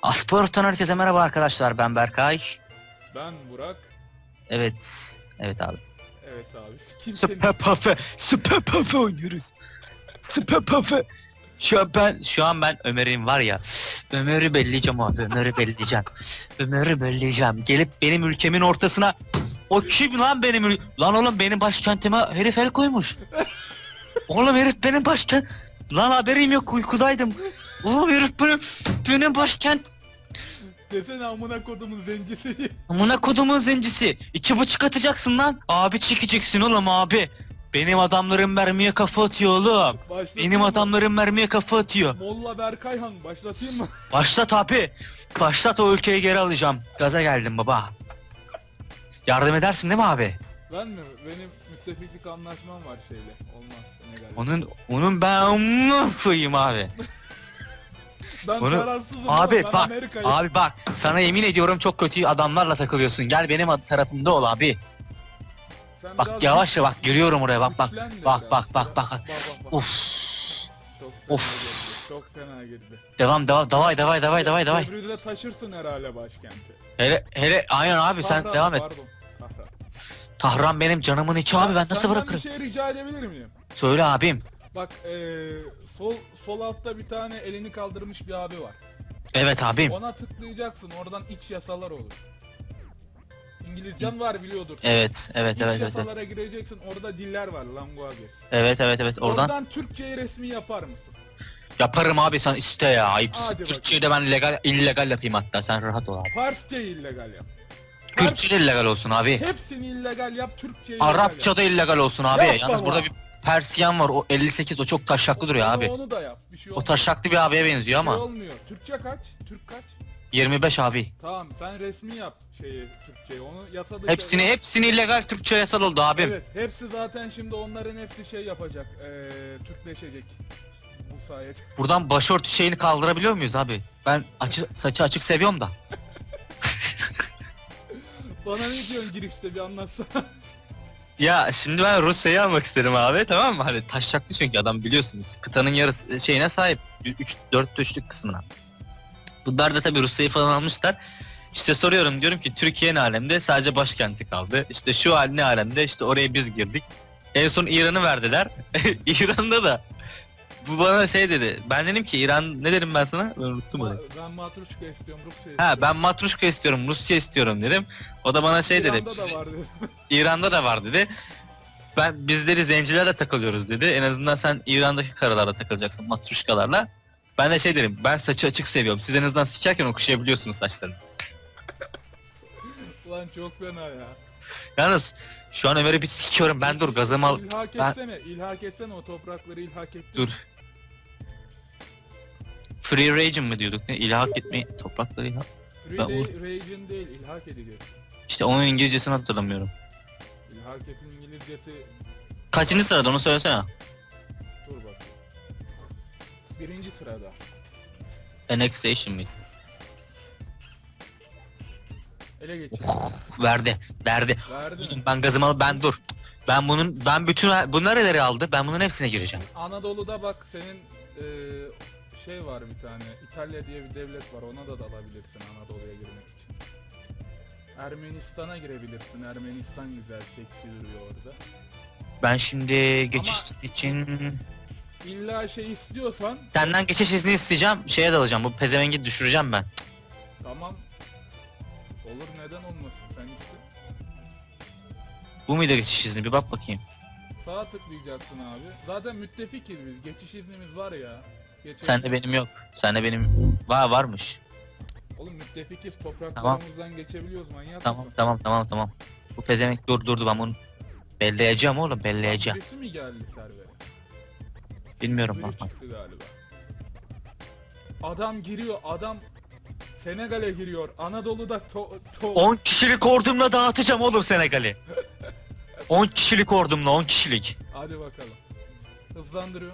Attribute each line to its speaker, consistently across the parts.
Speaker 1: Asport'tan herkese merhaba arkadaşlar, ben Berkay.
Speaker 2: Ben Burak.
Speaker 1: Evet, evet abi.
Speaker 2: Evet abi. Kimsenin...
Speaker 1: Süper Puff'e oynuyoruz. Süper Puff'e. Şu an ben Ömer'in var ya, Ömer'i belleyeceğim abi, Ömer'i belleyeceğim. Ömer'i belleyeceğim. Gelip benim ülkemin ortasına, o kim lan lan oğlum benim başkentime herif el koymuş. Oğlum herif benim başkent. Lan haberim yok, uykudaydım. Oğlum herif benim başkent.
Speaker 2: Desene amına kodumun zencisi diye.
Speaker 1: Amına kodumun zencisi. 2,5 atacaksın lan. Abi çekeceksin oğlum abi. Benim adamlarım mermiye kafa atıyor oğlum.
Speaker 2: Başlatayım
Speaker 1: Benim
Speaker 2: mı?
Speaker 1: adamlarım mermiye kafa atıyor.
Speaker 2: Molla Berkayhan başlatayım mı?
Speaker 1: Başlat abi. Başlat, o ülkeyi geri alacağım. Gaza geldim baba. Yardım edersin değil mi abi?
Speaker 2: Ben mi? Benim müttefiklik anlaşmam var şeyle. Olmaz. Senegal'le.
Speaker 1: Onun ben koyayım abi.
Speaker 2: Ben
Speaker 1: onu-
Speaker 2: kararsızım.
Speaker 1: Abi
Speaker 2: oğlum, ben
Speaker 1: bak.
Speaker 2: Amerika'yım.
Speaker 1: Abi bak. Sana yemin ediyorum çok kötü adamlarla takılıyorsun. Gel benim tarafımda ol abi.
Speaker 2: Sen
Speaker 1: Bak
Speaker 2: biraz
Speaker 1: yavaş ya, bak giriyorum oraya, bak bak.
Speaker 2: güçlen de
Speaker 1: Bak
Speaker 2: biraz.
Speaker 1: bak bak bak.
Speaker 2: Bak.
Speaker 1: Of.
Speaker 2: Çok fena
Speaker 1: Of.
Speaker 2: girdi. Çok fena girdi.
Speaker 1: Devam davay.
Speaker 2: Köprüde taşırsın herhalde başkenti.
Speaker 1: Hele aynen abi, sen
Speaker 2: Tahran,
Speaker 1: devam et.
Speaker 2: Pardon. Tahran.
Speaker 1: Tahran benim canımın içi abi, ben nasıl
Speaker 2: Senden
Speaker 1: bırakırım?
Speaker 2: bir şey rica edebilir miyim?
Speaker 1: Söyle abim.
Speaker 2: Bak sol altta bir tane elini kaldırmış bir abi var.
Speaker 1: Evet abim.
Speaker 2: Ona tıklayacaksın, oradan iç yasalar olur. İngilizcen var biliyordur.
Speaker 1: Evet
Speaker 2: İç yasalara gireceksin, orada diller var, languages.
Speaker 1: evet oradan
Speaker 2: Türkçeyi resmi yapar mısın?
Speaker 1: yaparım abi, sen iste ya, ayıpsın.
Speaker 2: Hadi
Speaker 1: Türkçeyi de ben illegal yapayım, hatta sen rahat ol abi.
Speaker 2: Farsçayı illegal yap.
Speaker 1: Kürtçe de illegal olsun abi.
Speaker 2: Hepsini illegal yap, Türkçeyi illegal
Speaker 1: Arapça
Speaker 2: yap.
Speaker 1: da illegal olsun abi.
Speaker 2: Yap
Speaker 1: Yalnız
Speaker 2: baba.
Speaker 1: burada bir Persiyan var, o 58, o çok taşaklı duruyor abi.
Speaker 2: Onu da yap, bir şey
Speaker 1: O
Speaker 2: olmuyor.
Speaker 1: taşaklı bir abiye benziyor
Speaker 2: Bir şey
Speaker 1: ama.
Speaker 2: olmuyor. Türkçe kaç? Türk kaç?
Speaker 1: 25 abi.
Speaker 2: Tamam, sen resmi yap Türkçeyi, onu yasa dışı...
Speaker 1: Hepsini illegal, Türkçe yasal oldu abim.
Speaker 2: Evet, hepsi zaten şimdi onların hepsi şey yapacak, Türkleşecek bu sayede.
Speaker 1: Buradan başörtü şeyini kaldırabiliyor muyuz abi? Ben saçı açık seviyorum da.
Speaker 2: Bana ne diyorsun girişte, bir anlatsana.
Speaker 1: Ya şimdi ben Rusya'yı almak isterim abi, tamam mı? Hani taşacaklı çünkü adam, biliyorsunuz. Kıtanın yarısı şeyine sahip. 4/3'lük kısmına. Bunlar da tabii Rusya'yı falan almışlar. İşte soruyorum, diyorum ki Türkiye ne alemde? Sadece başkenti kaldı. İşte şu hal ne alemde? İşte oraya biz girdik. En son İran'ı verdiler. İran'da da bu bana şey dedi. Ben dedim ki İran, ne dedim ben sana? Ben unuttum onu.
Speaker 2: Ben matruşka istiyorum, Rusya istiyorum.
Speaker 1: Ha, ben matruşka istiyorum, Rusya istiyorum dedim. O da bana şey dedi.
Speaker 2: İran'da da var dedi.
Speaker 1: İran'da da var dedi. Bizleri zencilerle takılıyoruz dedi. En azından sen İran'daki karılarla takılacaksın, matruşkalarla. Ben de şey derim, ben saçı açık seviyorum. Siz en azından sikerken okşayabiliyorsunuz saçlarını.
Speaker 2: Ulan çok fena ya.
Speaker 1: Yalnız şu an Ömer'i bir sikiyorum. Ben dur gazımı al.
Speaker 2: İlhak
Speaker 1: Ben-
Speaker 2: etsene, ilhak etsene, o toprakları ilhak ettin.
Speaker 1: Dur. Free region mı diyorduk, ne? İlhak etmeyi, toprakları ilhak.
Speaker 2: Free
Speaker 1: Ben
Speaker 2: region değil, ilhak edeceğiz.
Speaker 1: İşte onun İngilizcesini hatırlamıyorum.
Speaker 2: İlhak etin İngilizcesi...
Speaker 1: Kaçıncı sırada, onu söylesene.
Speaker 2: Dur bakayım. Birinci sırada.
Speaker 1: Annexation mıydı?
Speaker 2: Ele geçir.
Speaker 1: Verdi.
Speaker 2: Verdi
Speaker 1: Oğlum
Speaker 2: mi?
Speaker 1: ben gazımı al, ben dur. Ben bütün bunlar neleri aldı? Ben bunların hepsine gireceğim.
Speaker 2: Anadolu'da bak senin şey var bir tane, İtalya diye bir devlet var, ona da dalabilirsin Anadolu'ya girmek için. Ermenistan'a girebilirsin, Ermenistan güzel, seksi duruyor orada.
Speaker 1: Ben şimdi geçiş için
Speaker 2: İlla şey istiyorsan
Speaker 1: senden geçiş izni isteyeceğim. Şeye dalacağım. Bu pezevengi düşüreceğim ben.
Speaker 2: tamam, olur, neden olmasın, sen iste.
Speaker 1: Bu muydu geçiş izni? Bir bak bakayım.
Speaker 2: Sağa tıklayacaksın abi. Zaten müttefikiz biz, geçiş iznimiz var ya.
Speaker 1: Sende benim yok. Sende benim varmış.
Speaker 2: Oğlum müttefikiz, topraklarımızdan geçebiliyoruz, manyak mısın?
Speaker 1: Tamam. Bu pezevenk durdu, ben bunu belleyeceğim oğlum, belleyeceğim.
Speaker 2: Birisi mi geldi servere?
Speaker 1: Bilmiyorum
Speaker 2: Biri
Speaker 1: bak.
Speaker 2: çıktı galiba. Adam giriyor, adam Senegal'e giriyor. Anadolu'da
Speaker 1: 10 kişilik ordumla dağıtacağım oğlum Senegal'i. 10 kişilik ordumla, 10 kişilik.
Speaker 2: Hadi bakalım. Hızlandırıyor.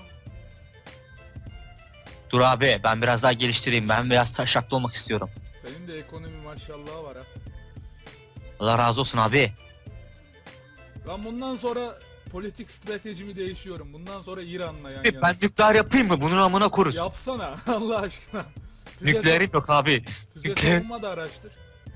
Speaker 1: Dur abi, ben biraz daha geliştireyim. Ben biraz taşaklı olmak istiyorum.
Speaker 2: Senin de ekonomi maşallah var ha.
Speaker 1: Allah razı olsun abi.
Speaker 2: Ben bundan sonra politik stratejimi değişiyorum. Bundan sonra İran'la yan yana.
Speaker 1: Ben nükleer yapayım mı? Bunun amına koruz.
Speaker 2: Yapsana Allah aşkına. Füze
Speaker 1: Nükleerim yok abi.
Speaker 2: Füze
Speaker 1: Nükleer-
Speaker 2: savunma da araştır.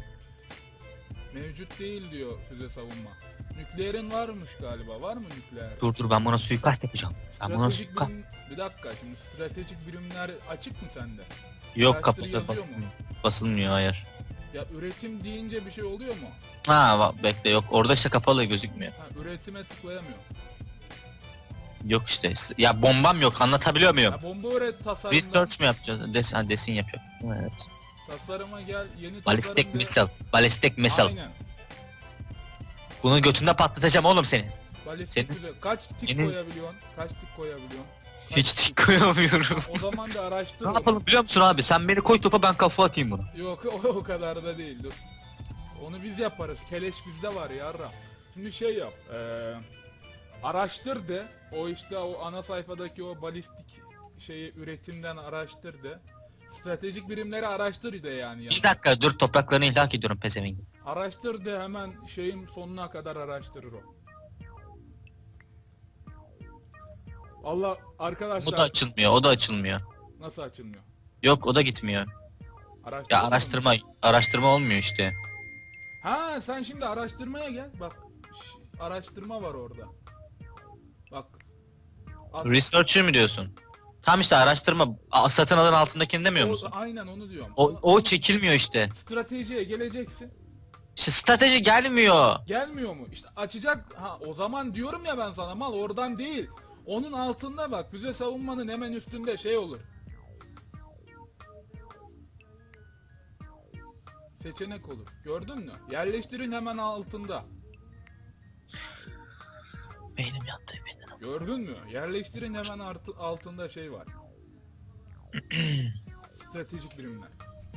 Speaker 2: Mevcut değil diyor füze savunma. Nükleerin varmış galiba. Var mı nükleer?
Speaker 1: Dur ben buna suikast yapacağım. Ben buna
Speaker 2: Stratejik
Speaker 1: suikast...
Speaker 2: birim... Bir dakika şimdi stratejik birimler açık mı sende?
Speaker 1: Yok
Speaker 2: araştır
Speaker 1: kapalı
Speaker 2: yazıyor mu?
Speaker 1: basılmıyor. Basılmıyor hayır.
Speaker 2: Ya üretim deyince bir şey oluyor mu?
Speaker 1: Bekle yok orada işte kapalı gözükmüyor.
Speaker 2: Ha, üretime tıklayamıyor.
Speaker 1: Yok işte. Ya bombam yok anlatabiliyor muyum?
Speaker 2: Ya bomba üret tasarımda.
Speaker 1: Research mu yapacağız? Desin yapıyor. Evet.
Speaker 2: Tasarıma gel yeni
Speaker 1: Ballistic
Speaker 2: tasarım de-
Speaker 1: missile. Ballistic missile.
Speaker 2: Aynen.
Speaker 1: Bunu götünde patlatacağım oğlum seni.
Speaker 2: Balistik
Speaker 1: Senin-
Speaker 2: füze. Kaç tik
Speaker 1: Senin-
Speaker 2: koyabiliyorsun? Kaç tik koyabiliyorsun? Kaç
Speaker 1: Hiç tik koyamıyorum.
Speaker 2: O zaman da araştır.
Speaker 1: Ne
Speaker 2: onu.
Speaker 1: yapalım biliyor musun abi? Sen beni koy topa ben kafa atayım bunu.
Speaker 2: Yok o kadar da değil dur. Onu biz yaparız. Keleş bizde var yarra. Şimdi şey yap. Araştır de. O işte o ana sayfadaki o balistik şeyi üretimden araştır de. Stratejik birimleri araştır de yani.
Speaker 1: Bir dakika dur topraklarını ihlak ediyorum pezevengi.
Speaker 2: Araştır de hemen şeyin sonuna kadar araştırır o. Allah
Speaker 1: Bu da
Speaker 2: arkadaşlar
Speaker 1: açılmıyor o da açılmıyor.
Speaker 2: nasıl açılmıyor?
Speaker 1: Yok o da gitmiyor. Ya araştırma olmuyor işte.
Speaker 2: Ha sen şimdi araştırmaya gel. Bak araştırma var orada. Bak.
Speaker 1: Researcher mi diyorsun? Tam işte araştırma satın alın altındakini demiyor musun?
Speaker 2: Aynen onu diyorum.
Speaker 1: O çekilmiyor işte.
Speaker 2: Stratejiye geleceksin.
Speaker 1: İşte strateji gelmiyor.
Speaker 2: Gelmiyor mu? İşte açacak. Ha o zaman diyorum ya ben sana mal oradan değil. Onun altında bak füze savunmanın hemen üstünde şey olur. Seçenek olur. Gördün mü? Yerleştirin hemen altında.
Speaker 1: Beynim yattı beynim.
Speaker 2: Gördün mü? Yerleştirin hemen altında şey var. Stratejik birimler.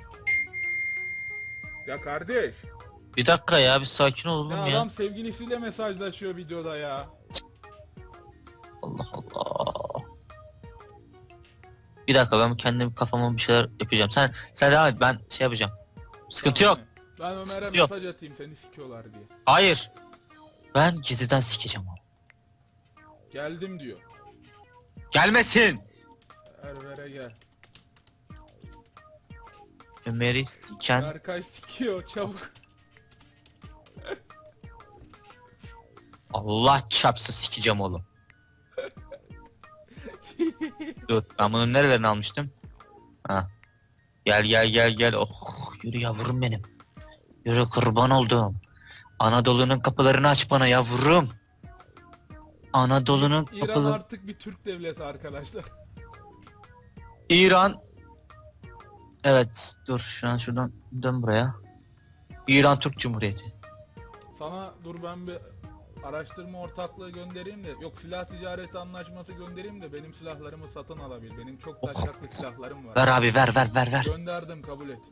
Speaker 2: Ya kardeş.
Speaker 1: Bir dakika ya bir sakin ol oğlum
Speaker 2: Ya
Speaker 1: ya.
Speaker 2: adam sevgilisiyle mesajlaşıyor videoda ya.
Speaker 1: Allah Allah. Bir dakika ben kendim kafama bir şeyler yapacağım. Sen devam et ben şey yapacağım. Sıkıntı yok.
Speaker 2: Ben Ömer'e
Speaker 1: Sıkıntı yok.
Speaker 2: mesaj atayım seni sikiyorlar diye.
Speaker 1: Hayır. Ben gizliden sikeceğim onu.
Speaker 2: Geldim diyor.
Speaker 1: Gelmesin.
Speaker 2: Server'e gel.
Speaker 1: Ömer'i siken.
Speaker 2: Berkay sikiyor çabuk.
Speaker 1: Allah çarpsa sikeceğim oğlum. Dur ben bunun nerelerini almıştım? Ha. Gel. Oh yürü yavrum benim. Yürü kurban oldum. Anadolu'nun kapılarını aç bana yavrum. Anadolu'nun
Speaker 2: İran
Speaker 1: kapıları.
Speaker 2: artık bir Türk devleti arkadaşlar.
Speaker 1: İran. Evet dur şuradan dön buraya. İran Türk Cumhuriyeti.
Speaker 2: Sana dur ben bir araştırma ortaklığı göndereyim de yok silah ticareti anlaşması göndereyim de benim silahlarımı satın alabil. Benim çok taşaklı silahlarım var.
Speaker 1: Ver abi ver.
Speaker 2: Gönderdim kabul et.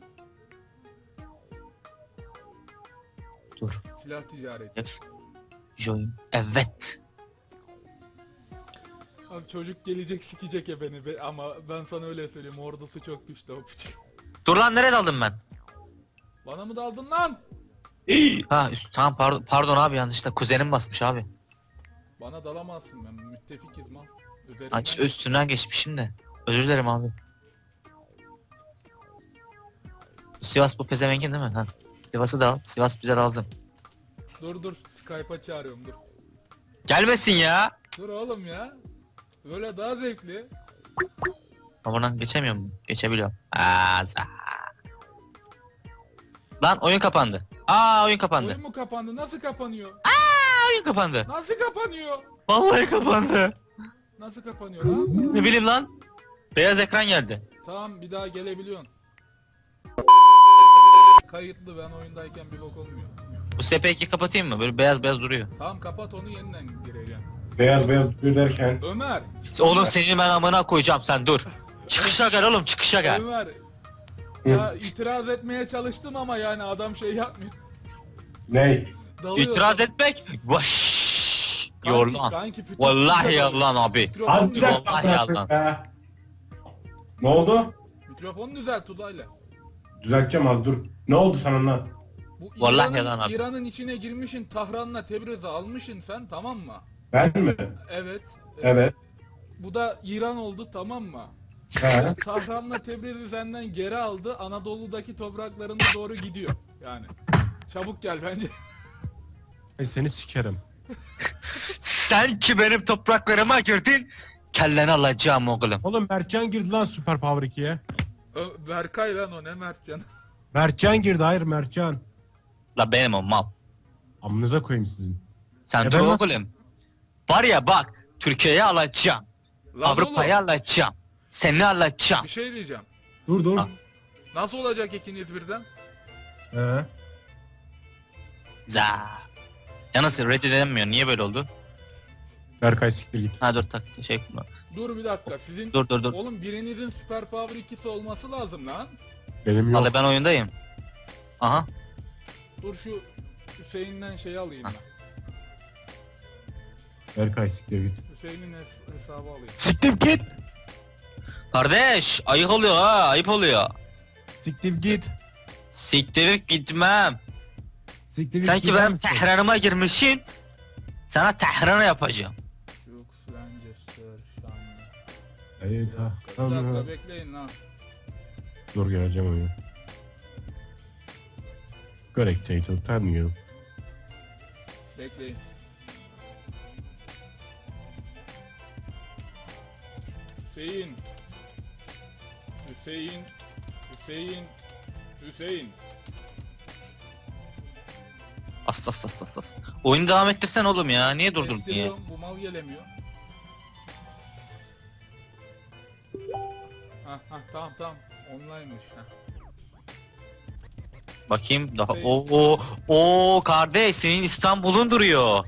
Speaker 1: Dur.
Speaker 2: Silah ticareti.
Speaker 1: Join. Evet.
Speaker 2: Abi çocuk gelecek sikecek ya beni ama ben sana öyle söyleyeyim ordusu çok güçlü o piç.
Speaker 1: Dur lan nereye daldım ben?
Speaker 2: Bana mı daldın lan?
Speaker 1: Ha tamam pardon abi yanlışlıkla kuzenim basmış abi.
Speaker 2: Bana dalamazsın ben müttefikiz mal.
Speaker 1: Ha, işte üstünden geçmişim de. Özür dilerim abi. Sivas bu pezevengin değil mi? Ha. Sivas'ı da al. Sivas bize lazım.
Speaker 2: Dur Skype'a çağırıyorum dur.
Speaker 1: Gelmesin ya.
Speaker 2: Dur oğlum ya. Böyle daha zevkli.
Speaker 1: Ama buradan geçemiyor mu? Geçebiliyorum. Lan oyun kapandı. Oyun kapandı.
Speaker 2: Oyun mu kapandı? Nasıl kapanıyor?
Speaker 1: Oyun kapandı.
Speaker 2: Nasıl kapanıyor?
Speaker 1: Vallahi kapandı.
Speaker 2: Nasıl kapanıyor lan?
Speaker 1: Ne bileyim lan. Beyaz ekran geldi.
Speaker 2: Tamam bir daha gelebiliyorsun. Kayıtlı ben oyundayken bir bok olmuyor.
Speaker 1: Bu SP2 kapatayım mı? Böyle beyaz duruyor.
Speaker 2: Tamam kapat onu yeniden gireceğim.
Speaker 3: Beyaz duruyor derken
Speaker 2: Ömer.
Speaker 1: Oğlum seni ben amına koyacağım sen dur. Çıkışa gel oğlum çıkışa gel.
Speaker 2: Ömer. Ya itiraz etmeye çalıştım ama yani adam şey yapmıyor.
Speaker 3: ney?
Speaker 2: Dalıyor.
Speaker 1: İtiraz etmek. Vaş. Yorlan.
Speaker 2: Kanki fütür
Speaker 1: Vallahi
Speaker 2: fütür
Speaker 1: yalan abi.
Speaker 2: Mikrofon
Speaker 3: Az bir
Speaker 2: düzelt.
Speaker 3: dakika
Speaker 1: Vallahi
Speaker 3: bırakın
Speaker 1: yalan.
Speaker 3: ya. Ne oldu?
Speaker 2: Mikrofonu düzelt Tuzay'la.
Speaker 3: Düzelteceğim az dur. Ne oldu sana lan?
Speaker 2: Bu
Speaker 1: Vallahi yalan abi.
Speaker 2: İran'ın içine girmişin Tahran'la Tebriz'i almışın sen tamam mı?
Speaker 3: Ben mi?
Speaker 2: Evet.
Speaker 3: Evet.
Speaker 2: Bu da İran oldu tamam mı?
Speaker 3: He.
Speaker 2: Tahran'la Tebriz'i senden geri aldı. Anadolu'daki topraklarına doğru gidiyor. Yani. Çabuk gel bence.
Speaker 4: Seni sikerim.
Speaker 1: Sen ki benim topraklarıma girdin. Kelleni alacağım oğlum.
Speaker 4: Oğlum Mertcan girdi lan Super Power 2'ye.
Speaker 2: Berkay lan o, ne Mertcan.
Speaker 4: Mertcan girdi, hayır Mertcan.
Speaker 1: La benim o mal.
Speaker 4: Amınıza koyayım sizin.
Speaker 1: Sen
Speaker 4: E
Speaker 1: dur
Speaker 4: ben nasıl-
Speaker 1: oğlum. Var ya bak. Türkiye'yi alacağım.
Speaker 2: Lan
Speaker 1: Avrupa'yı
Speaker 2: oğlum,
Speaker 1: alacağım. Seni alacağım.
Speaker 2: bir şey diyeceğim.
Speaker 4: Dur dur.
Speaker 1: Ha.
Speaker 2: Nasıl olacak ikiniz birden?
Speaker 4: He.
Speaker 1: Za. Yalnız reddedilemiyor. Niye böyle oldu?
Speaker 4: Berkay siktir git.
Speaker 1: Ha dur tak şey.
Speaker 2: Dur bir dakika, sizin...
Speaker 1: Dur.
Speaker 2: Oğlum birinizin Super Power 2'si olması lazım lan.
Speaker 4: Benim yok.
Speaker 1: Vallahi ben oyundayım. Aha.
Speaker 2: Dur şu Hüseyin'den şeyi alayım ben.
Speaker 4: Berkay siktir git.
Speaker 2: Hüseyin'in hesabı alayım.
Speaker 4: Siktir git.
Speaker 1: Kardeş ayıp oluyor ha, ayıp oluyor.
Speaker 4: Siktir git.
Speaker 1: Siktirip gitmem.
Speaker 4: Siktir git.
Speaker 1: Sanki
Speaker 4: gider
Speaker 1: benim
Speaker 4: misin?
Speaker 1: Tehran'ıma girmişsin. Sana Tehran'ı yapacağım.
Speaker 2: Jux, Lancaster, Şanlı.
Speaker 4: Evet ha.
Speaker 2: Bir
Speaker 4: Tamam.
Speaker 2: dakika bekleyin lan.
Speaker 4: Dur geleceğim oyuna. Correct title, time you.
Speaker 2: Bekleyin. Hüseyin. Hüseyin. Hüseyin. Hüseyin.
Speaker 1: As. Oyunu devam ettirsen oğlum ya. Niye durdurdun ya?
Speaker 2: Ettiriyorum, bu mal gelemiyor. Tamam. Online'mış ha.
Speaker 1: Bakayım daha.
Speaker 2: Şey-
Speaker 1: O kardeş senin İstanbul'un duruyor.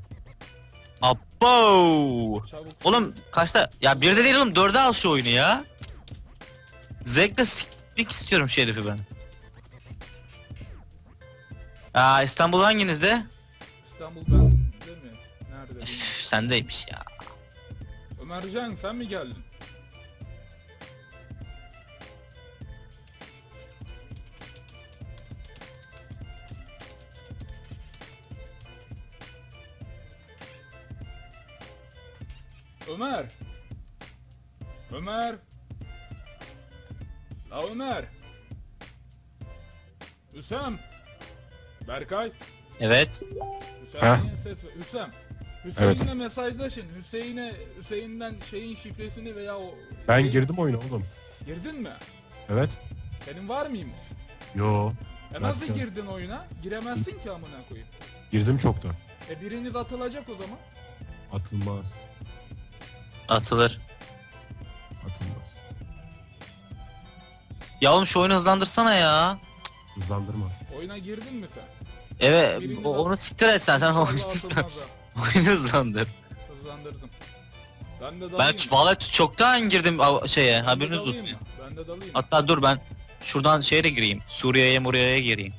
Speaker 1: Abo.
Speaker 2: Çabuk.
Speaker 1: Oğlum kaçta? Ya bir de değil oğlum, 4'e al şu oyunu ya. Zevkle sikmek istiyorum şu herifi ben. Aa, İstanbul hanginizde?
Speaker 2: İstanbul ben değil mi? Nerede bilmiyorum.
Speaker 1: Üf, sendeymiş ya.
Speaker 2: Ömercan sen mi geldin? Ömer. Ömer. La Ömer. Hüsam. Berkay.
Speaker 1: Evet.
Speaker 2: Hüseyin'e ses ver. Hüsam. Hüseyin'le
Speaker 4: Evet.
Speaker 2: mesajlaşın. Hüseyin'den şeyin şifresini veya o...
Speaker 4: Ben
Speaker 2: şey-
Speaker 4: girdim oyuna oğlum.
Speaker 2: Girdin mi?
Speaker 4: Evet.
Speaker 2: Senin var mıymış?
Speaker 4: Yo.
Speaker 2: Nasıl
Speaker 4: Nasıl?
Speaker 2: girdin oyuna? Giremezsin ki amına koyayım.
Speaker 4: Girdim çoktan.
Speaker 2: Biriniz atılacak o zaman.
Speaker 4: Atılmaz.
Speaker 1: Atılır.
Speaker 4: Atılmaz.
Speaker 1: Ya oğlum şu oyunu hızlandırsana ya.
Speaker 4: Hızlandırma.
Speaker 2: Oyuna girdin mi sen?
Speaker 1: Evet
Speaker 2: Birini
Speaker 1: onu siktir et sen
Speaker 2: İnşallah
Speaker 1: oyunu
Speaker 2: atılmaz
Speaker 1: hızlan-
Speaker 2: ha.
Speaker 1: oyunu hızlandır.
Speaker 2: Hızlandırdım. Ben de
Speaker 1: Ben
Speaker 2: dalayım.
Speaker 1: vallahi çoktan girdim şeye,
Speaker 2: Ben de
Speaker 1: haberiniz
Speaker 2: dalayım
Speaker 1: olsun.
Speaker 2: mı? Ben de dalayım.
Speaker 1: Hatta dur ben şuradan şeye de gireyim. Suriye'ye gireyim.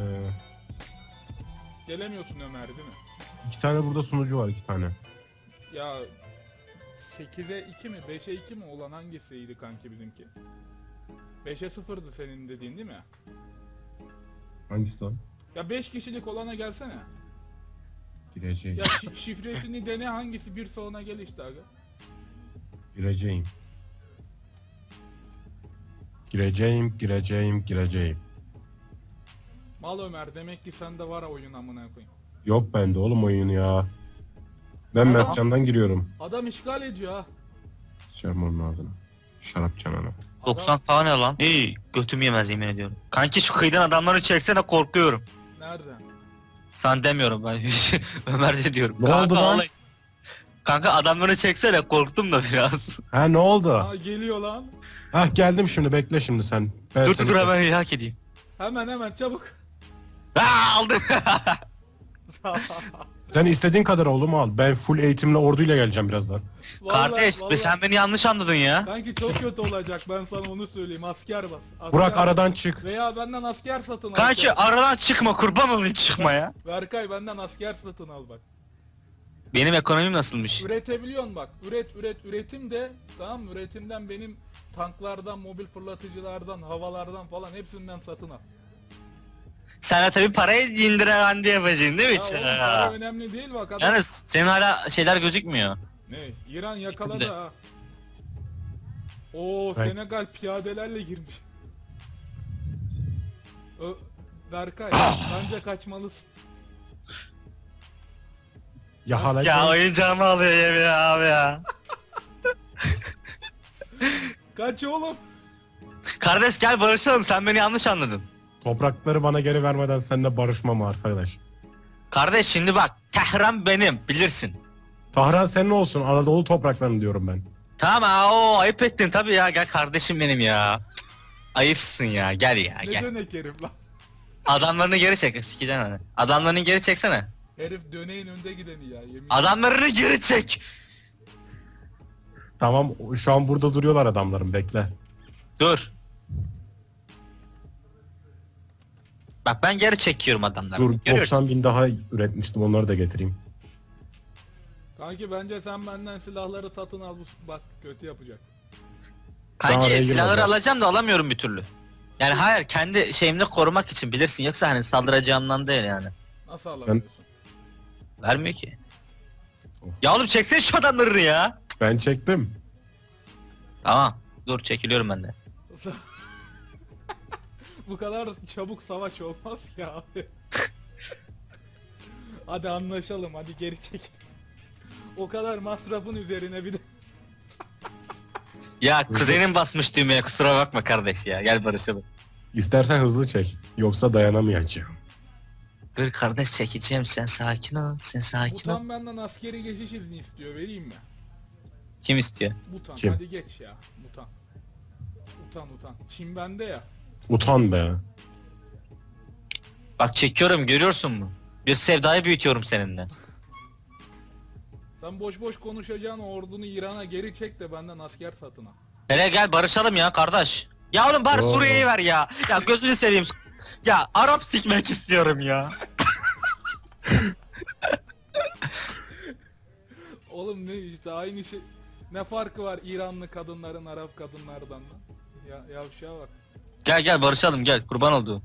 Speaker 2: Gelemiyorsun Ömer değil mi?
Speaker 4: 2 tane burada sunucu var, 2 tane.
Speaker 2: Ya 8'e 2 mi 5'e 2 mi olan hangisiydi kanki bizimki? 5'e 0'dı senin dediğin değil mi?
Speaker 4: Hangisi lan?
Speaker 2: Ya 5 kişilik olana gelsene.
Speaker 4: Gireceğim.
Speaker 2: Ya şifresini dene, hangisi bir salona gel işte aga.
Speaker 4: Gireceğim. Gireceğim.
Speaker 2: Mal Ömer, demek ki sende var ha oyun amına koyayım.
Speaker 4: Yok bende oğlum oyunu ya. Ben
Speaker 2: Ama-
Speaker 4: Mertcan'dan giriyorum.
Speaker 2: Adam işgal ediyor ha.
Speaker 4: Şerman'ın ağzına. Şarap çanana.
Speaker 1: 90 tane lan. İyi götüm yemez yemin ediyorum. Kanki şu kıyıdan adamları çeksene, korkuyorum.
Speaker 2: Nereden?
Speaker 1: Sen demiyorum ben. Ömer de diyorum.
Speaker 4: Ne oldu lan?
Speaker 1: vallahi- Kanka adamları çeksene, korktum da biraz.
Speaker 4: Ha ne oldu?
Speaker 2: Aa geliyor lan.
Speaker 4: Hah geldim şimdi, bekle şimdi sen. Ben
Speaker 1: dur
Speaker 4: seni-
Speaker 1: dur hemen hak edeyim.
Speaker 2: Hemen çabuk.
Speaker 1: Aa, aldım.
Speaker 4: Sen istediğin kadar oğlum al. Ben full eğitimle orduyla geleceğim birazdan.
Speaker 1: Kardeş
Speaker 2: Vallahi-
Speaker 1: sen beni yanlış anladın ya.
Speaker 2: Kanki çok kötü olacak, ben sana onu söyleyeyim. Asker bas. Asker
Speaker 4: Burak
Speaker 2: bas.
Speaker 4: aradan çık.
Speaker 2: Veya benden asker satın al.
Speaker 1: Kanki aradan çıkma, kurban olayım çıkma ya.
Speaker 2: Berkay benden asker satın al bak.
Speaker 1: Benim ekonomim nasılmış?
Speaker 2: Üretebiliyorsun bak. Üretim de tamam mı? Üretimden benim tanklardan, mobil fırlatıcılardan, havalardan falan hepsinden satın al.
Speaker 1: Sana tabi parayı indiren yapacaksın değil mi?
Speaker 2: Ya oğlum para önemli değil bak adam.
Speaker 1: Yani. Yani. Senin hala şeyler gözükmüyor.
Speaker 2: Ne? İran yakaladı
Speaker 1: Şimdi.
Speaker 2: ha. Oo
Speaker 4: Ben-
Speaker 2: Senegal piyadelerle girmiş. Berkay bence kaçmalısın.
Speaker 4: Ya hala
Speaker 1: Ya oyuncağımı alıyor yemin abi ya.
Speaker 2: Kaç oğlum.
Speaker 1: Kardeş gel barışalım, sen beni yanlış anladın.
Speaker 4: toprakları bana geri vermeden seninle barışmam arkadaş.
Speaker 1: Kardeş şimdi bak, Tehran benim bilirsin.
Speaker 4: Tahran senin olsun, Anadolu topraklarını diyorum ben.
Speaker 1: Tamam o ayıp ettin tabii ya, gel kardeşim benim ya. Cık, ayıpsın ya, gel ya
Speaker 2: Ne
Speaker 1: gel.
Speaker 2: dönek herif lan.
Speaker 1: Adamlarını geri çek, sikeceğim onu. Adamlarını geri çeksene.
Speaker 2: Herif döneğin önde gideni ya yemin.
Speaker 1: Adamlarını geri çek.
Speaker 4: Tamam, şu an burada duruyorlar adamlarım, bekle.
Speaker 1: Dur. Bak ben geri çekiyorum adamları.
Speaker 4: Dur,
Speaker 1: Görüyorsun.
Speaker 4: 90 bin daha üretmiştim, onları da getireyim.
Speaker 2: Kanki bence sen benden silahları satın al, bak kötü yapacak.
Speaker 4: Daha
Speaker 1: Kanki
Speaker 4: oraya
Speaker 1: silahları
Speaker 4: girmedi.
Speaker 1: alacağım da alamıyorum bir türlü. Yani hayır, kendi şeyimle korumak için bilirsin, yoksa hani saldıracağımdan değil yani.
Speaker 2: Nasıl alamıyorsun?
Speaker 1: Vermiyor ki.
Speaker 4: Of.
Speaker 1: Ya oğlum çeksene şu adamları ya.
Speaker 4: Ben çektim.
Speaker 1: Tamam. Dur çekiliyorum ben de.
Speaker 2: Bu kadar çabuk savaş olmaz ya abi. Hadi anlaşalım, hadi geri çek. O kadar masrafın üzerine bir de.
Speaker 1: Ya kuzenin basmış düğmeye, kusura bakma kardeş ya. Gel barışalım.
Speaker 4: İstersen hızlı çek, yoksa dayanamayacağım.
Speaker 1: Dur kardeş çekeceğim, sen sakin ol. Sen sakin ol.
Speaker 2: Butan benden askeri geçiş izni istiyor, vereyim mi?
Speaker 1: Kim istiyor?
Speaker 2: Butan
Speaker 4: Kim?
Speaker 2: hadi geç ya. Butan. Utan. Çin bende ya.
Speaker 4: Utan be.
Speaker 1: Bak çekiyorum, görüyorsun mu? Bir sevdayı büyütüyorum seninle.
Speaker 2: Sen boş boş konuşacağın ordunu İran'a geri çek de benden asker satın al.
Speaker 1: Hele gel barışalım ya kardeş. Ya oğlum bari
Speaker 4: Doğru.
Speaker 1: Suriye'yi ver ya. Ya gözünü seveyim. Ya Arap sikmek istiyorum ya.
Speaker 2: Oğlum ne işte aynı şey. Ne farkı var İranlı kadınların Arap kadınlardan lan? Ya yavşağa bak.
Speaker 1: Gel barışalım gel, kurban olduğum.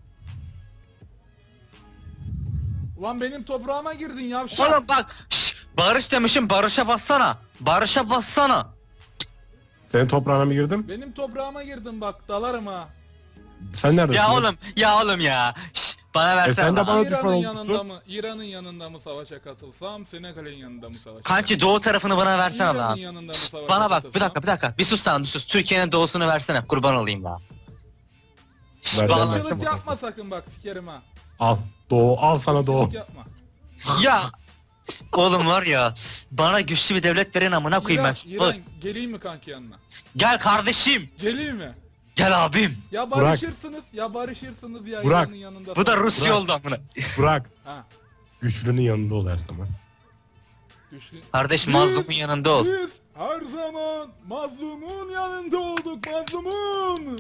Speaker 2: Ulan benim toprağıma girdin yavşak.
Speaker 1: Oğlum bak barış demişim, barışa bassana. Barışa bassana.
Speaker 4: Senin toprağına mı girdim?
Speaker 2: Benim toprağıma girdin bak, dalarım ha.
Speaker 4: Sen neredesin?
Speaker 1: Ya oğlum ya. Bana versene.
Speaker 4: sen de
Speaker 1: lan.
Speaker 4: bana düşman
Speaker 2: İran'ın
Speaker 4: olmuşsun.
Speaker 2: yanında mı? İran'ın yanında mı savaşa katılsam, Senegal'in yanında mı savaşa
Speaker 1: Kanki doğu tarafını bana versene
Speaker 2: İran'ın
Speaker 1: lan.
Speaker 2: yanında mı savaşa
Speaker 1: Bana bak
Speaker 2: katılsam?
Speaker 1: bir dakika. Bir sus lan, bir sus. Türkiye'nin doğusunu versene, kurban olayım lan.
Speaker 4: Ver,
Speaker 1: Bana-
Speaker 4: ver.
Speaker 2: Irkçılık yapma sakın bak, sikerim ha.
Speaker 4: Al. Doğu, al sana doğu.
Speaker 2: Irkçılık yapma.
Speaker 1: Ya oğlum var ya, bana güçlü bir devlet verin amına koyayım ben.
Speaker 2: İran,
Speaker 1: Oğlum,
Speaker 2: geleyim mi kanki yanına?
Speaker 1: gel kardeşim.
Speaker 2: Geleyim mi?
Speaker 1: Gel abim.
Speaker 2: Ya
Speaker 4: Burak.
Speaker 2: barışırsınız ya
Speaker 4: Burak.
Speaker 2: İran'ın yanında.
Speaker 1: Bu da
Speaker 2: falan.
Speaker 1: Rusya
Speaker 4: Bırak.
Speaker 1: oldu amına.
Speaker 4: Bırak.
Speaker 2: Ha,
Speaker 4: Güçlünün yanında ol her zaman.
Speaker 2: düştü.
Speaker 1: Kardeş mazlumun yanında ol.
Speaker 2: Biz her zaman mazlumun yanında olduk, mazlumun.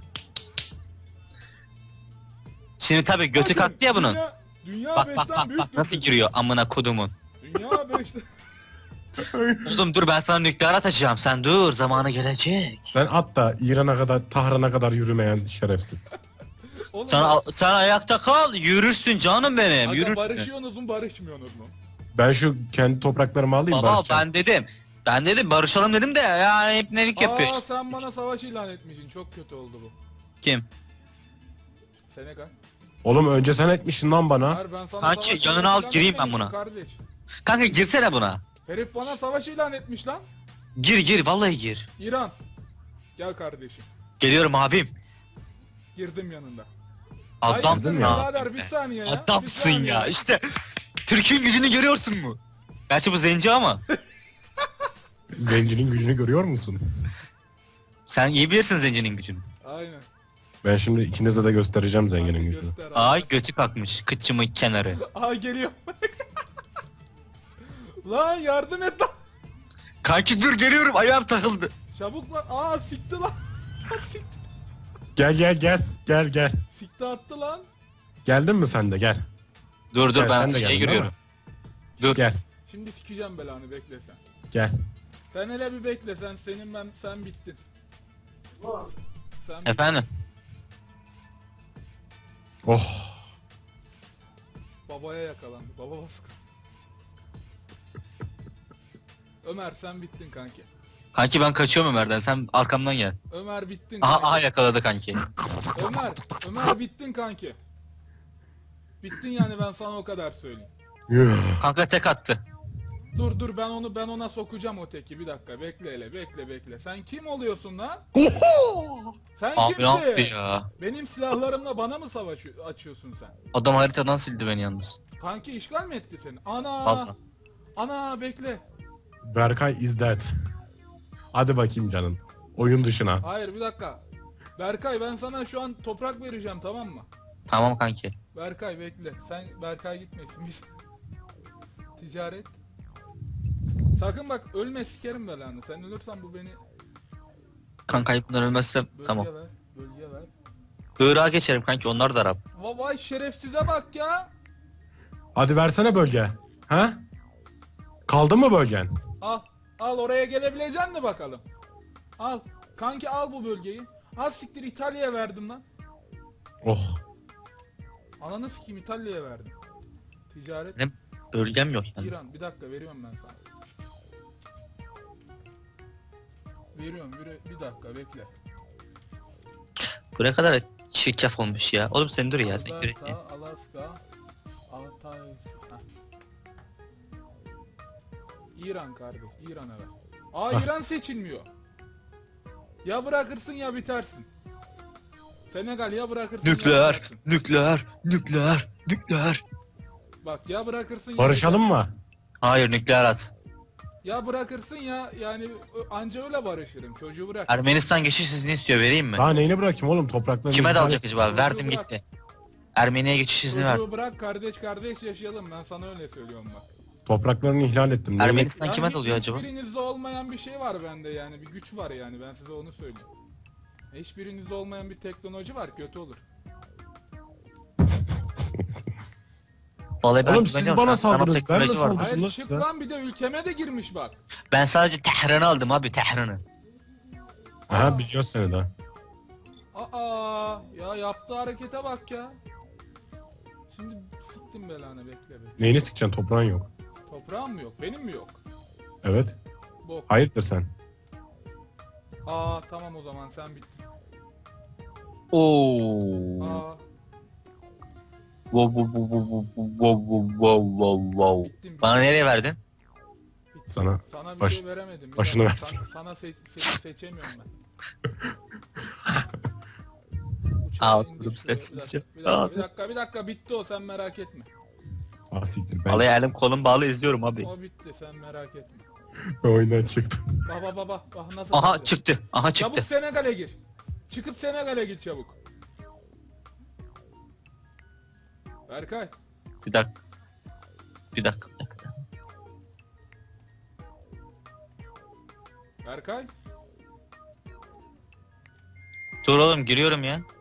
Speaker 1: Şimdi tabii götü
Speaker 2: Bakın,
Speaker 1: kalktı ya bunun.
Speaker 2: Dünya
Speaker 1: Bak
Speaker 2: beşten
Speaker 1: bak bak
Speaker 2: büyük
Speaker 1: bak nasıl
Speaker 2: bir-
Speaker 1: giriyor amına kodumun.
Speaker 2: Dünya beşten.
Speaker 1: Oğlum dur, ben sana nükleer atacağım, sen dur, zamanı gelecek.
Speaker 4: Sen at da İran'a kadar, Tahran'a kadar yürümeyen şerefsiz.
Speaker 2: Oğlum,
Speaker 1: Sen ayakta kal, yürürsün canım benim,
Speaker 2: aga,
Speaker 1: yürürsün.
Speaker 2: barışıyorsunuz mu barışmıyorsunuz mu?
Speaker 4: Ben şu kendi topraklarımı alayım
Speaker 1: Baba
Speaker 4: barışacağım.
Speaker 1: ben dedim barışalım dedim de yani hep nelik yapıyor
Speaker 2: Aa
Speaker 1: işte.
Speaker 2: sen bana savaş ilan etmişsin, çok kötü oldu bu.
Speaker 1: Kim?
Speaker 2: Senegal.
Speaker 4: Oğlum önce sen etmişsin lan bana.
Speaker 2: Hayır, ben sana
Speaker 1: Kanki,
Speaker 2: savaş
Speaker 1: yanına
Speaker 2: ilan
Speaker 1: al, gireyim ben
Speaker 2: etmemişim
Speaker 1: buna.
Speaker 2: Kardeş.
Speaker 1: Kanka girsene buna.
Speaker 2: Herif bana savaş ilan etmiş lan.
Speaker 1: Gir vallahi gir.
Speaker 2: İran. Gel kardeşim.
Speaker 1: Geliyorum abim.
Speaker 2: Girdim yanında.
Speaker 1: Adamsın
Speaker 2: Hayırdır
Speaker 1: ya.
Speaker 2: birader, bir saniye ya.
Speaker 1: Adamsın
Speaker 2: bir saniye.
Speaker 1: ya. İşte Türk'ün gücünü görüyorsun mu? Gerçi bu zenci ama.
Speaker 4: Zencinin gücünü görüyor musun?
Speaker 1: Sen iyi bilirsin zencinin gücünü.
Speaker 2: Aynen.
Speaker 4: Ben şimdi ikinize de göstereceğim zenginin
Speaker 2: Hadi
Speaker 4: gücünü.
Speaker 2: göster abi.
Speaker 1: Ay götü kalkmış. Kıçımın kenarı.
Speaker 2: Aa geliyor. Lan yardım et lan.
Speaker 1: Kanki dur, geliyorum, ayağım takıldı.
Speaker 2: Çabuk lan. Aa sikti lan. Sikti.
Speaker 4: Gel.
Speaker 2: Sikti attı lan.
Speaker 4: Geldin mi sen de gel.
Speaker 1: Dur
Speaker 4: Gel, sen
Speaker 1: ben
Speaker 4: de
Speaker 1: şeye
Speaker 4: geldin
Speaker 1: giriyorum. Dur.
Speaker 4: Gel
Speaker 2: Şimdi sikeceğim belanı, bekle sen.
Speaker 4: gel.
Speaker 2: Sen hele bir bekle, sen bittin. Sen bittin.
Speaker 1: Efendim.
Speaker 4: Oh.
Speaker 2: Babaya yakalandı. Baba baskın. Ömer sen bittin kanki.
Speaker 1: Kanki ben kaçıyorum Ömer'den. Sen arkamdan gel.
Speaker 2: Ömer bittin
Speaker 1: Aha
Speaker 2: kanki.
Speaker 1: aha yakaladı kanki.
Speaker 2: Ömer bittin kanki. Bittin yani, ben sana o kadar söyleyeyim.
Speaker 1: Kanka tek attı.
Speaker 2: Dur ben ona sokacağım o teki, bir dakika bekle hele, bekle. Sen kim oluyorsun lan? Sen
Speaker 1: Abi ne yaptı
Speaker 2: kimsin?
Speaker 1: ya?
Speaker 2: Benim silahlarımla bana mı savaş açıyorsun sen?
Speaker 1: Adam haritadan sildi beni yalnız.
Speaker 2: Kanki işgal mi etti seni?
Speaker 1: Vallahi.
Speaker 2: Ana bekle.
Speaker 4: Berkay is dead. Hadi bakayım canım. Oyun dışına.
Speaker 2: Hayır bir dakika. Berkay ben sana şu an toprak vereceğim, tamam mı?
Speaker 1: Tamam kanki.
Speaker 2: Berkay bekle. Sen Berkay gitmesin biz. Ticaret. Sakın bak ölme, sikerim belanı. Sen ölürsen bu beni
Speaker 1: Kanka ayıptan ölmezsem
Speaker 2: bölge
Speaker 1: tamam.
Speaker 2: ver. Bölge ver.
Speaker 1: Irak'a geçerim kanki, onlar da Arap.
Speaker 2: Vay şerefsize bak ya.
Speaker 4: Hadi versene bölge. Ha? Kaldı mı bölgen?
Speaker 2: Al oraya gelebileceksin mi bakalım? Al. Kanki al bu bölgeyi. Az siktir, İtalya'ya verdim lan.
Speaker 4: Oh.
Speaker 2: Ananı sikeyim, İtalya'ya verdim. Ticaret.
Speaker 1: Ne? Bölgem yok yalnız.
Speaker 2: İran bir dakika veriyorum ben sana. Veriyorum bir dakika bekle.
Speaker 1: Bu ne kadar çirkef olmuş ya. Oğlum sen dur ya, sen
Speaker 2: Alberta,
Speaker 1: göre.
Speaker 2: Alaska, Altay. Heh. İran kardeş, İran'a ver.
Speaker 4: Ah.
Speaker 2: İran seçilmiyor. Ya bırakırsın ya bitersin. Senegal ya bırakırsın ya
Speaker 1: Nükleer,
Speaker 2: bitersin.
Speaker 1: nükleer.
Speaker 2: Bak ya bırakırsın ya
Speaker 4: Barışalım
Speaker 2: bitersin.
Speaker 4: mı?
Speaker 1: Hayır, nükleer at.
Speaker 2: Ya bırakırsın ya, yani anca öyle barışırım. Çocuğu bırak.
Speaker 1: Ermenistan geçiş izni istiyor, vereyim mi?
Speaker 4: Daha neyini bırakayım oğlum, topraklarını...
Speaker 1: Kime
Speaker 4: ihlal
Speaker 1: dalacak
Speaker 4: et-
Speaker 1: acaba?
Speaker 2: Çocuğu
Speaker 1: Verdim
Speaker 2: bırak.
Speaker 1: gitti. Ermeniye geçiş izni ver.
Speaker 2: Çocuğu bırak, kardeş yaşayalım, ben sana öyle söylüyorum bak.
Speaker 4: Topraklarını ihlal ettim. Neyini-
Speaker 1: Ermenistan kime dalıyor acaba?
Speaker 2: Hiçbirinizde olmayan bir şey var bende, yani bir güç var, yani ben size onu söyleyeyim. Hiçbirinizde olmayan bir teknoloji var, kötü olur.
Speaker 1: Vallahi ben
Speaker 4: Oğlum siz
Speaker 1: güveniyorum.
Speaker 4: bana
Speaker 1: Sana
Speaker 4: saldınız, ben
Speaker 1: teknoloji
Speaker 4: de
Speaker 1: var.
Speaker 4: saldım.
Speaker 2: Hayır
Speaker 4: Nasıl
Speaker 2: çık
Speaker 4: ya?
Speaker 2: lan, bir de ülkeme de girmiş bak.
Speaker 1: Ben sadece Tehran'ı aldım abi, Tehran'ı.
Speaker 4: Aha biliyoruz seni de.
Speaker 2: Ya yaptığı harekete bak ya. Şimdi siktim belanı, bekle.
Speaker 4: Neyini sikeceksin, toprağın yok.
Speaker 2: Toprağım mı yok, benim mi yok?
Speaker 4: Evet.
Speaker 2: Bok.
Speaker 4: Hayırdır sen?
Speaker 2: Tamam o zaman sen bittin.
Speaker 1: Oo. Wow.
Speaker 2: Bittim.
Speaker 1: Bana nereye verdin?
Speaker 2: Bittim.
Speaker 4: Sana
Speaker 2: Sana bir
Speaker 4: baş-
Speaker 2: şey veremedim. Bir
Speaker 4: başını
Speaker 2: dakika,
Speaker 4: versin.
Speaker 2: Sana seçemiyorum ben.
Speaker 1: Al,
Speaker 2: Uçağı indir
Speaker 1: durum
Speaker 2: şuraya,
Speaker 1: sessizce.
Speaker 2: bir dakika bitti o, sen merak etme.
Speaker 4: ah siktir, ben
Speaker 1: Vallahi elim kolum bağlı, izliyorum abi.
Speaker 2: O bitti, sen merak etme.
Speaker 4: oyundan çıktım.
Speaker 2: Bak nasıl
Speaker 1: Aha
Speaker 2: bitti.
Speaker 1: çıktı. Aha
Speaker 2: Çabuk
Speaker 1: çıktı.
Speaker 2: Senegal'e gir. Çıkıp Senegal'e gir çabuk. Berkay.
Speaker 1: Bir dakika. Bir dakika.
Speaker 2: Berkay.
Speaker 1: Dur oğlum, giriyorum ya.